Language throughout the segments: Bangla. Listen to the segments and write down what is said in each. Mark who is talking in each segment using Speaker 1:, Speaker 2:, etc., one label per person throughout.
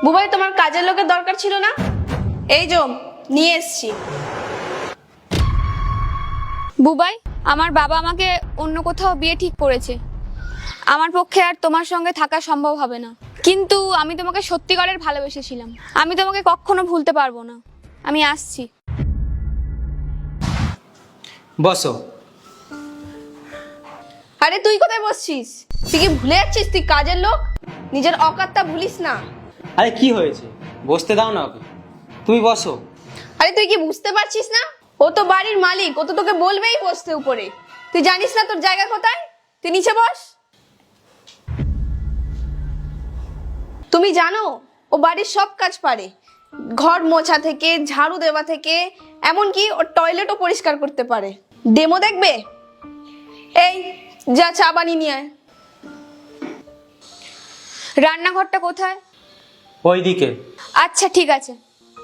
Speaker 1: বুবাই, তোমার কাজের লোকের দরকার ছিল না? এই যে নিয়ে এসছি।
Speaker 2: বুবাই, আমার বাবা আমাকে অন্য কোথাও বিয়ে ঠিক করেছে। আমার পক্ষে আর তোমার সঙ্গে থাকা সম্ভব হবে না। কিন্তু আমি তোমাকে সত্যিকারের ভালোবেসেছিলাম। আমি তোমাকে কখনো ভুলতে পারবো না। আমি আসছি।
Speaker 3: বসো।
Speaker 1: আরে তুই কোথায় বসছিস? তুই কি ভুলে যাচ্ছিস তুই কাজের লোক? নিজের অকাতটা ভুলিস না।
Speaker 3: আরে কি হয়েছে, বসতে দাও না ওকে, তুমি বসো।
Speaker 1: আরে তুই কি বুঝতে পারছিস না? ও তো বাড়ির মালিক, ও তো তোকে বলবেই বসতে উপরে। তুই জানিস না তোর জায়গা কোথায়? তুই নিচে বস। তুমি জানো ও বাড়ির সব কাজ পারে, ঘর মোছা থেকে ঝাড়ু দেওয়া থেকে এমনকি ওর টয়লেটও পরিষ্কার করতে পারে। ডেমো দেখবে? এই যা চা বানিয়ে নিয়ে আয়।
Speaker 2: রান্নাঘরটা কোথায়?
Speaker 3: ওইদিকে।
Speaker 2: আচ্ছা ঠিক আছে।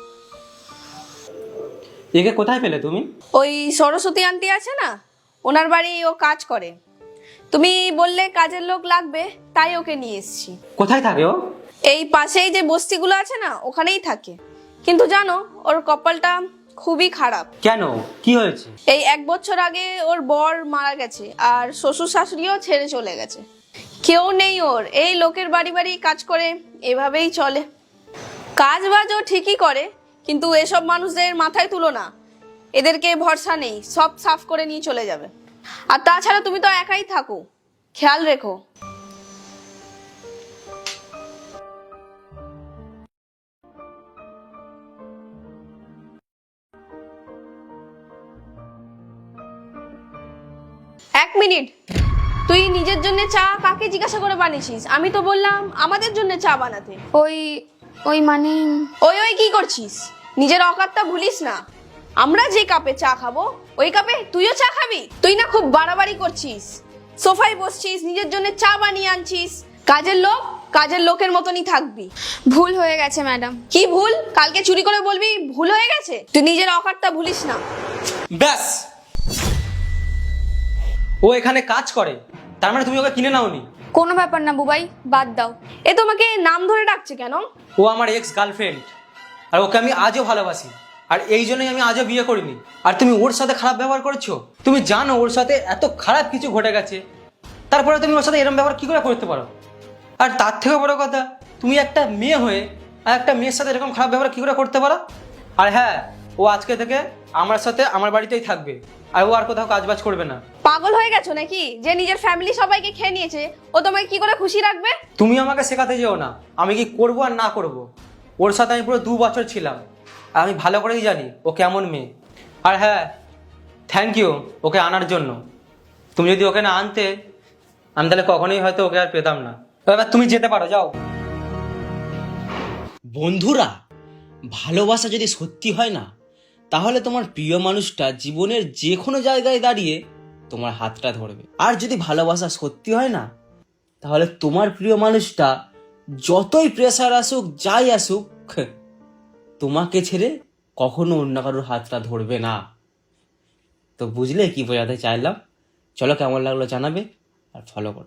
Speaker 3: একে কোথায় পেলে তুমি?
Speaker 1: ওই সরস্বতী আন্টি আছে না, ওনার বাড়ি ও কাজ করে। তুমি বললে কাজের লোক লাগবে, তাই ওকে নিয়ে এসেছি।
Speaker 3: কোথায় থাকে ও?
Speaker 1: এই পাশেই যে বস্তিগুলো আছে না, ওখানেই থাকে। কিন্তু জানো ওর কপালটা খুবই খারাপ।
Speaker 3: কেন, কি হয়েছে?
Speaker 1: এই 1 বছর আগে ওর বর মারা গেছে, আর শ্বশুর শাশুড়িও ছেড়ে চলে গেছে। কেউ নেই ওর, এই লোকের বাড়ি বাড়ি কাজ করে, এভাবেই চলে। কাজ বাজও ঠিকই করে, কিন্তু এসব মানুষদের মাথায় তুলো না, এদেরকে ভরসা নেই, সব সাফ করে নিয়ে চলে যাবে। আর তাছাড়া তুমি তো একাই থাকো, খেয়াল রেখো। এক মিনিট, তুই নিজের জন্য চা কাকে জিজ্ঞাসা করে বানিয়েছিস? আমি তো বললাম আমাদের জন্য চা বানাতে।
Speaker 2: ওই ওই মানে
Speaker 1: ওই ওই কি করছিস? নিজের অকাতটা ভুলিস না। আমরা যে কাপে চা খাবো ওই কাপে তুইও চা খাবি? তুই না খুব বাড়াবাড়ি করছিস। সোফায় বসছিস, নিজের জন্য চা বানিয়ে আনছিস। কাজের লোক, কাজের লোকের মতনই থাকবি।
Speaker 2: ভুল হয়ে গেছে ম্যাডাম।
Speaker 1: কি ভুল? কালকে চুরি করে বলবি ভুল হয়ে গেছে? তুই নিজের অকাতটা ভুলিস না।
Speaker 3: ব্যাস, ও এখানে কাজ করে, তার মানে তুমি ওকে কিনে নাওনি?
Speaker 2: কোনো ব্যাপার না বুবাই, বাদ দাও।
Speaker 1: এ তোমাকে নাম ধরে ডাকছে কেন?
Speaker 3: ও আমার এক্স গার্লফ্রেন্ড, আর ওকে আমি আজও ভালোবাসি, আর এই জন্যই আমি আজও বিয়ে করিনি। আর তুমি ওর সাথে খারাপ ব্যবহার করেছো। তুমি জানো ওর সাথে এত খারাপ কিছু ঘটে গেছে, তারপরে তুমি ওর সাথে এরকম ব্যবহার কি করে করতে পারো? আর তার থেকে বড় কথা, তুমি একটা মেয়ে হয়ে আর একটা মেয়ের সাথে এরকম খারাপ ব্যবহার কি করে করতে পারো? আর হ্যাঁ, ও আজকে থেকে আমার সাথে আমার বাড়িতেই থাকবে, আর ও আর কোথাও কাজবাজ করবে না।
Speaker 1: পাগল হয়ে গেছো নাকি? যে নিজের ফ্যামিলি সবাইকে খেয়ে নিয়েছে, ও তোমাকে কি করে খুশি রাখবে?
Speaker 3: তুমি আমাকে শেখাতে যেও না আমি কি করবো আর না করব। ওর সাথে আমি পুরো 2 বছর ছিলাম, আর আমি ভালো করেই জানি ও কেমন মেয়ে। আর হ্যাঁ, থ্যাংক ইউ ওকে আনার জন্য। তুমি যদি ওকে না আনতে, আমি তাহলে কখনোই হয়তো ওকে আর পেতাম না। এবার তুমি যেতে পারো, যাও।
Speaker 4: বন্ধুরা, ভালোবাসা যদি সত্যি হয় না, তাহলে তোমার প্রিয় মানুষটা জীবনের যে কোনো জায়গায় দাঁড়িয়ে তোমার হাতটা ধরবে। আর যদি ভালোবাসা সত্যি হয় না, তাহলে তোমার প্রিয় মানুষটা যতই প্রেসার আসুক, যাই আসুক, তোমাকে ছেড়ে কখনো অন্য কারোর হাতটা ধরবে না। তো বুঝলে কি বোঝাতে চাইলাম? চলো, কেমন লাগলো জানাবে, আর ফলো করো।